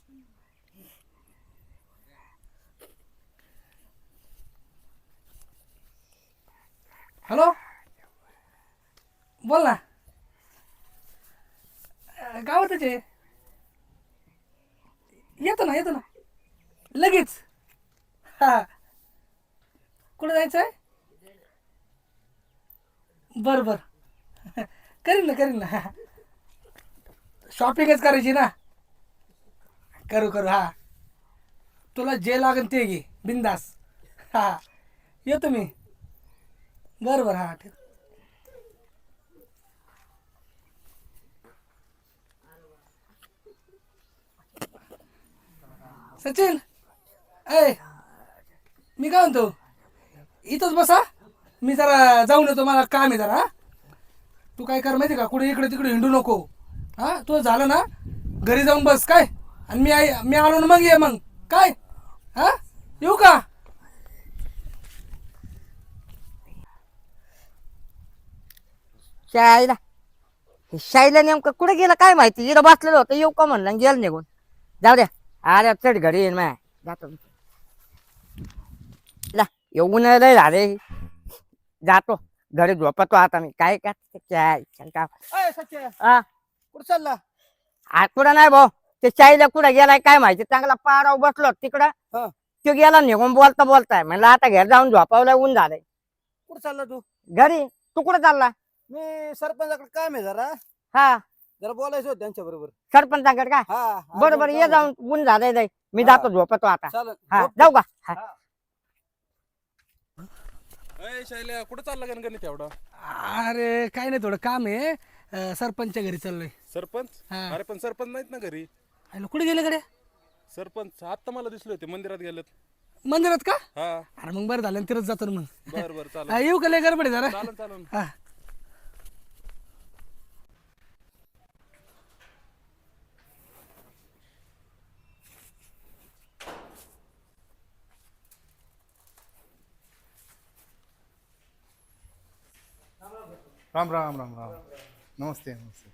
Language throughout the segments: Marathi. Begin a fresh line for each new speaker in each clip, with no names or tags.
हॅलो, बोल ना. गावातच आहे. येतो ना लगेच. हा, कुठं जायचं आहे? बरं करीन ना. शॉपिंगच करायची ना. करू हा. तुला जे लागेल ते घे बिंदास. हा, येतो मी. बरं हा ठीक. सचिन, ऐ मी काय म्हणतो, इथंच बसा. मी जरा जाऊन येतो, मला काम आहे जरा. तू काय कर माहिती का, कुठे इकडे तिकडे हिंडू नको. हा, तुझं झालं ना घरी जाऊन बस काय. आणि मी आलो ना मग ये मग काय. हा, येऊ का?
शाळेला शाळेला नेमकं कुठे गेलं काय माहिती. इथं बसलेलं होतं, येऊ का म्हणलं आणि गेलं निघून. जाऊ द्या, अरे चढ घरी येईन माय. जातो ला, येऊन लय झाले. जातो घरी, झोपतो आता मी. काय का
सचिन
हा,
कुठं चालला?
आज कुठं नाही भाऊ. ते शाळेला कुठं गेलाय काय माहिती. चांगला पाराव बसलो तिकडं. तो गेला निघून बोलताय. म्हणलं आता घर जाऊन झोपावलं, ऊन झालंय.
कुठं चालला तू?
घरी. तू कुठं चालला?
मी सरपंचाकडे काम आहे जरा
हा,
बोलायचं होतं त्यांच्या बरोबर.
सरपंचाकडे का?
हा,
बरोबर, ये जाऊन. ऊन झालंय लय. मी जातो, झोपतो आता.
चालेल.
हा, जाऊ का? हा.
शैल्या कुठं चालला गणगणित एवढा?
अरे काय नाही, थोडं काम आहे. सरपंचच्या घरी चाललोय.
सरपंच?
हा.
अरे पण सरपंच नाहीत ना घरी.
कुठे गेले कडे?
सरपंच आता मला दिसले होते, मंदिरात गेलेत.
मंदिरात का?
हा.
अरे मग बरं झालं, तिथंच जातो ना मग.
बर चालेल.
हा, येऊ का? लय गडबड आहे जरा.
चालेल.
हा.
राम राम. नमस्ते.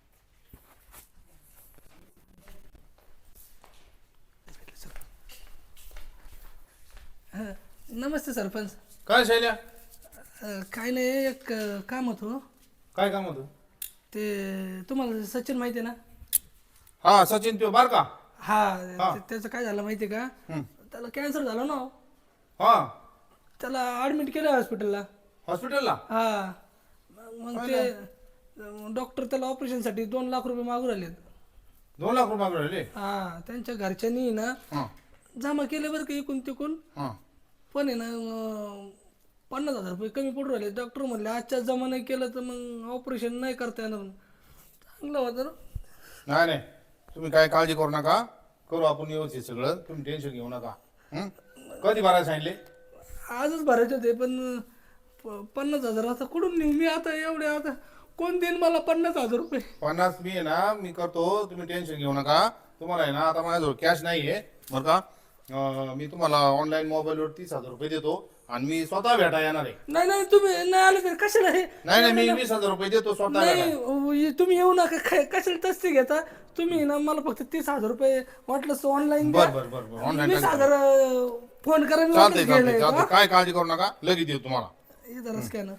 नमस्ते सरपंच.
काय शैल्या?
काय नाही, एक काम होतं.
काय काम होतं?
ते तुम्हाला सचिन माहिती आहे ना?
हा, सचिन त्यो बार का?
हा, त्याचं काय झालं माहिती आहे का? त्याला कॅन्सर झाला ना.
हा,
त्याला ऍडमिट केलं हॉस्पिटलला.
हॉस्पिटलला?
हा, मग ते डॉक्टर त्याला ऑपरेशनसाठी 2 लाख रुपये मागू राहिलेत.
2 लाख रुपये मागू राहिले?
हा, त्यांच्या घरच्यांनी ना जमा केले बरं का इकून तिकून. पण आहे ना 50,000 रुपये कमी पडू राहिले. डॉक्टर म्हणले आजच्या जमा नाही केलं तर मग ऑपरेशन नाही करता येणार. चांगलं होतं ना.
नाही, तुम्ही काय काळजी करू नका. करू आपण व्यवस्थित सगळं. तुम्ही टेन्शन घेऊ नका. कधी भरायला सांगितले?
आजच भरायचे होते, पण 50,000 आता कुठून नेऊ मी? आता एवढे, आता कोण देईन मला 50,000 रुपये?
50 मी आहे ना, मी करतो. तुम्ही टेन्शन घेऊ नका. तुम्हाला आहे ना, आता माझ्याजवळ कॅश नाही आहे बरं का. मी तुम्हाला ऑनलाईन मोबाईलवर 30,000 रुपये देतो आणि मी स्वतः भेटा येणार आहे.
नाही, तुम्ही नाही आले तर कशाला हे?
नाही, मी 20,000 रुपये देतो स्वतः.
नाही, तुम्ही येऊ नका. कशाला तस्ती घेता तुम्ही ना? मला फक्त 30,000 रुपये वाटलं ऑनलाईन.
बरं ऑनलाईन
20,000 फोन करा. मी
चालतंय. काय काळजी करू नका, लगेच देऊ तुम्हाला.
जरा स्कॅनर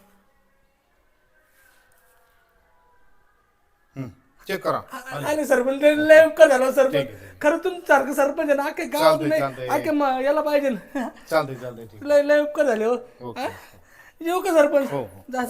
चेक करा.
आले सरपंच. लय उपकार झाला सरपंच. खरं तुमचं सारखं सरपंच आहे ना, अख्खे गाव नाही, अख्खे याला पाहिजे ना.
चालतंय ठीक.
लय उपकार झाले हो. येऊ का सरपंच? जा.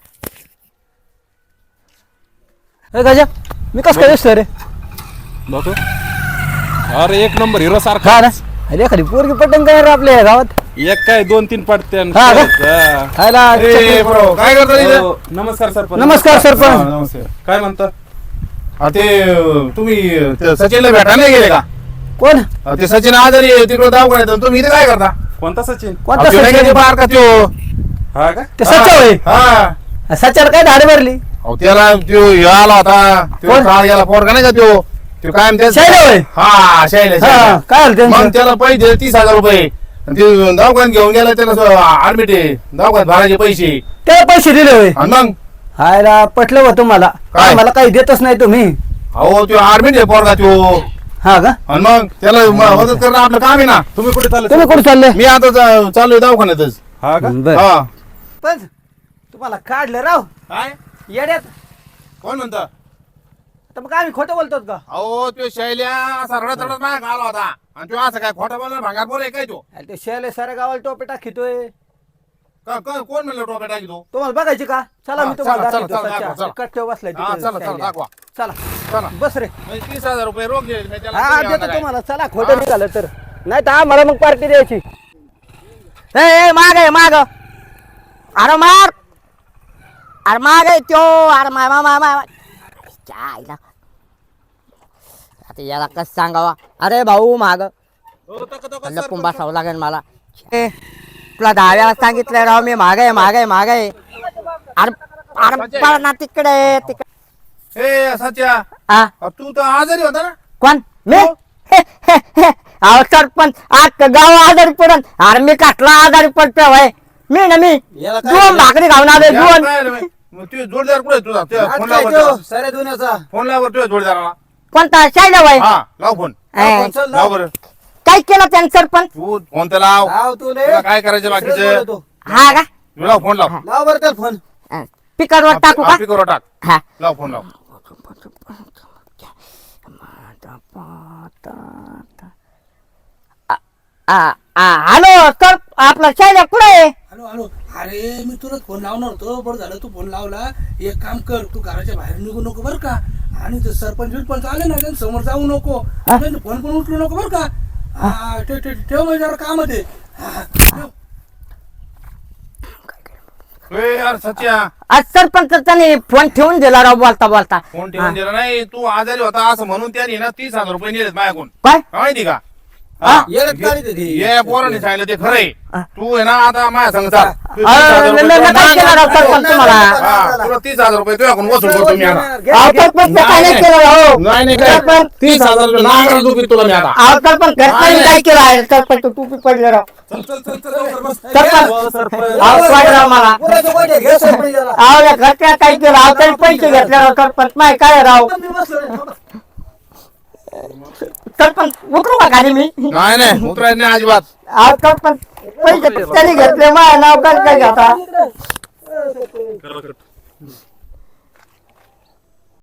गजा, मी कसं काय दिसतो रे?
बघतो. अरे एक नंबर हिरो सारखा.
अरे एखादी पोरगी पटंग काय रे आपल्या गावात?
एक काय 2-3 पडते.
काय करता इथे?
नमस्कार सरपंच.
नमस्कार सरपंच.
नमस्ते.
काय म्हणता?
ते तुम्ही सचिनला भेटायला नाही गेले का?
कोण?
ते सचिन आजारी तिकडे दवाखान्यात. तुम्ही इथे काय करता?
कोणता सचिन?
कोणता
त्यो नाही का
सचिन?
ते बार का त्यो?
हा का?
ते सच्चा होय.
हा,
सच्याला काय धाड भरली?
अहो त्याला त्यो हे आला होता. त्यो काल गेला पोरगा नाही का त्यो? त्यो कायम
शैल्या होय?
हा, शैल्या.
काय झालं त्यांचं?
मग त्याला पैसे 30,000 रुपये. ते दवाखान्यात घेऊन गेला. त्याला ऍडमिट आहे. दवाखान्यात भरायचे पैसे.
त्याला पैसे दिले होय?
आणि मग
हायला पटलं होतं मला.
काय?
मला काही देतच नाही तुम्ही.
अहो त्यो ऍडमिट आहे पोरगा त्यो.
हा का
आणि मग त्याला मदत करणं आपलं काम आहे ना.
तुम्ही कुठे चालले
तुम्ही कुठे चालले
मी आता चालू दवाखान्यातच.
हा का
बर
हा
पण तुम्हाला काढलं राव
काय
येड्यात
कोण म्हणतं?
तर मग आम्ही खोटं बोलतो का
अहो तो शैल्या असा रडत रडत माझ्या आला होता आणि तो असं काय खोटा बोलणार भांगार बोल काय तो
अरे ते शैले साऱ्या गावाला टोपे टाकीतोय
कोण म्हणलं टोपे टाकी तो?
तुम्हाला बघायची का चला
हा,
मी तुम्हाला
चला,
दाखवतो.
चला,
सच्चा.
दाखवा, चला.
कट्ट्यावर बसलाय
हा,
तिकडे
चला चला
शैल्या.
दाखवा
चला
चला
बस रे
म्हणजे 30,000 रुपये रोख घे मी त्याला
हा
तुम्ही
देतो
आणा काय?
तुम्हाला चला खोटं निघालं तर नाही तर आम्हाला मग पार्टी द्यायची
ए माग आहे माग अरे मार अरे माग आहे त्यो अरे माय माय माय माय आईला आता याला कसं सांगावा अरे भाऊ माग
हो,
लपून बसावं लागेल मला ए, तुला 10 वेळा सांगितलंय राव मी माग आहे माग आहे माग आहे अरे अरे पळ ना तिकडे तिकडे
ए सच्या
हा
तू तर आजारी होता ना.
कोण मी अहो सरपंच आज गाव आजारी पडन अरे मी कसला आजारी पडतो भाई मी ना मी
याला काय
दोन भाकरी खाऊन आलोय
याला
दोन
काय रे? मग तुझे जोडदार कुठे आहे तुझा? त्या
आज
फोन
काय
लाव
त्यो?
बरं.
साऱ्या दुनियाचा
फोन लाव बरं तुझ्या जोडदाराला.
कोणता शायला भाई
हा लाव फोन
ए,
लाव बरं.
काय केलं त्यानं सरपंच
तू फोन तर लाव.
लाव तू ले
तुला काय करायचं बाकीचं?
हा का
तू लाव फोन लाव.
लाव बरं तर फोन
पिकरवर टाकू का
करू टाक.
हा
लाव फोन लाव.
हॅलो सर आपला शायला कुठे आहे
हॅलो हॅलो अरे मी तुला फोन लावणार होतो बरं झालं तू फोन लावला. एक काम कर तू घराच्या बाहेर निघू नको बरं का आणि ते सरपंच बिरपंच आले ना त्यांच्या समोर जाऊ नको त्यांचे फोन पण उचलू नको बरं का. हा ठेव म्हणजे जरा काम आहे ते. हा, ठेव.
ए यार सच्या
आज सरपंच त्याने फोन ठेवून दिला राव बोलता बोलता
फोन ठेवून दिला नाही. तू आजारी होता असं म्हणून त्याने ना 30,000 रुपये नेलेत माझ्याकडून.
काय
माहिती का?
हा?
येडत काढी ती
ये पोराने सांगितलं ते खरंय. तू आहे ना आता माझ्या संग चाल. तू
अरे,
30,000
मी
रुपये
काय केलं राव सरपंच तुम्हाला
हा, तुला 30,000 रुपये तुझ्याकडून वसूल करतो मी आता.
अहो, सरपंच काय नाही केलं राव
नाही नाही काय
सरपंच
30,000 रुपये नांगरा दुखी तुला मी आता.
अहो सरपंच घरच्यांनी काय केलं आहे सरपंच टोपी पडले राव सरपंच अहो काय राव मला
पुराचं गोटे घे सरपंच याला.
अहो या घरच्या काय केलं अहो तरी पैसे घेतले राव सरपंच माय काय राव
मी बसलो रे, थांबा.
सरपंच उतरू का खाली मी
नाही नाही उतरायचं नाही अजिबात.
अहो सरपंच पैसे त्यांनी घेतले माझ्या नाव काय काय घेता
इकडे.